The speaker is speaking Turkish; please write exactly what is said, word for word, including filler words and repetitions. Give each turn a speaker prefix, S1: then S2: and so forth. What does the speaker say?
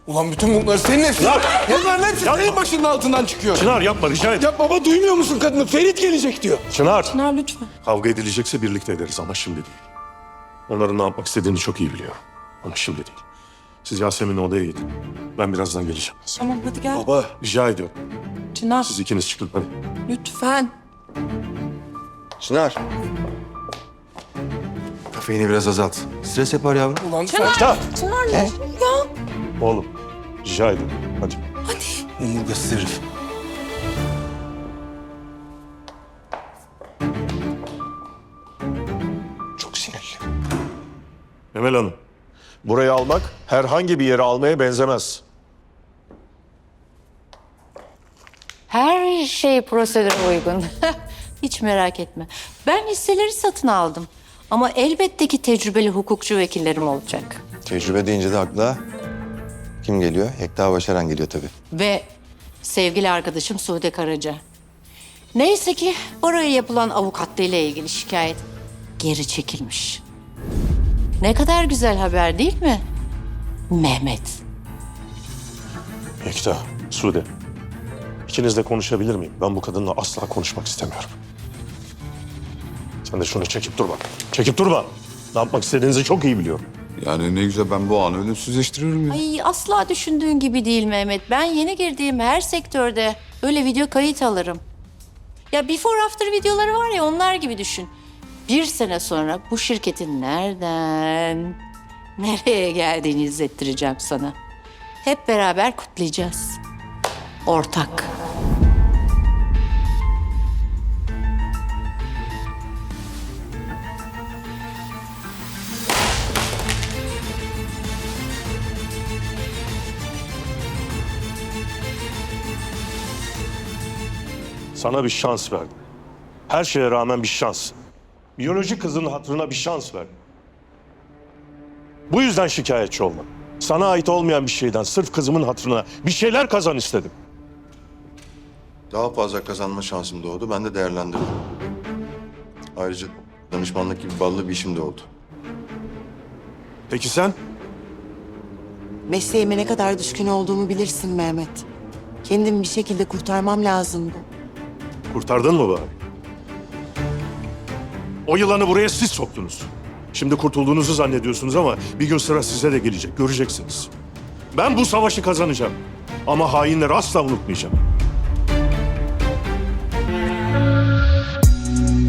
S1: Ulan bütün bunlar senin hepsi.
S2: Çınar!
S1: Bunların hepsi
S2: Yapma.
S1: senin başının altından çıkıyor.
S2: Çınar yapma rica et.
S1: Ya baba duymuyor musun kadını? Ferit gelecek diyor.
S2: Çınar.
S3: Çınar lütfen.
S2: Kavga edilecekse birlikte ederiz ama şimdi değil. Onların ne yapmak istediğini çok iyi biliyor. Ama şimdi değil. Siz Yasemin'le odaya gidin. Ben birazdan geleceğim.
S3: Tamam hadi gel.
S1: Baba.
S2: Rica ediyorum.
S3: Çınar
S2: Siz ikiniz çıkın hadi.
S3: lütfen.
S4: Çınar. Kafeini biraz azalt. Stres yapar yavrum.
S1: Ulan
S3: Çınar.
S2: Çınar.
S3: Çınar ne? Ya.
S2: Oğlum rica ediyorum. Hadi.
S1: omurgasız herif. Çok sinirli.
S2: Emel Hanım. Burayı almak herhangi bir yere almaya benzemez.
S5: Her şey prosedüre uygun. Hiç merak etme. Ben hisseleri satın aldım. Ama elbette ki tecrübeli hukukçu vekillerim olacak.
S4: Tecrübe deyince de akla kim geliyor? Yekta Başaran geliyor tabii.
S5: Ve sevgili arkadaşım Sude Karaca. Neyse ki oraya yapılan avukatlığıyla ilgili şikayet geri çekilmiş. Ne kadar güzel haber değil mi? Mehmet.
S2: Yekta, Sude. İkinizle konuşabilir miyim? Ben bu kadınla asla konuşmak istemiyorum. Sen de şunu çekip durma. Çekip durma. Ne yapmak istediğinizi çok iyi biliyorum.
S6: Yani ne güzel, ben bu anı ölümsüzleştiriyorum ya.
S5: Ay asla düşündüğün gibi değil Mehmet. Ben yeni girdiğim her sektörde öyle video kayıt alırım. Ya before after videoları var ya, onlar gibi düşün. Bir sene sonra bu şirketin nereden nereye geldiğini izlettireceğim sana. Hep beraber kutlayacağız. Ortak.
S2: Sana bir şans verdim. Her şeye rağmen bir şans. Biyolojik kızın hatırına bir şans verdim. Bu yüzden şikayetçi olma. Sana ait olmayan bir şeyden sırf kızımın hatırına bir şeyler kazan istedim.
S4: Daha fazla kazanma şansım doğdu. Ben de değerlendirdim. Ayrıca danışmanlık gibi ballı bir işim de oldu.
S2: Peki sen?
S7: Mesleğime ne kadar düşkün olduğumu bilirsin Mehmet. Kendimi bir şekilde kurtarmam lazımdı.
S2: Kurtardın mı bari? O yılanı buraya siz soktunuz. Şimdi kurtulduğunuzu zannediyorsunuz ama bir gün sıra size de gelecek. Göreceksiniz. Ben bu savaşı kazanacağım. Ama hainleri asla unutmayacağım.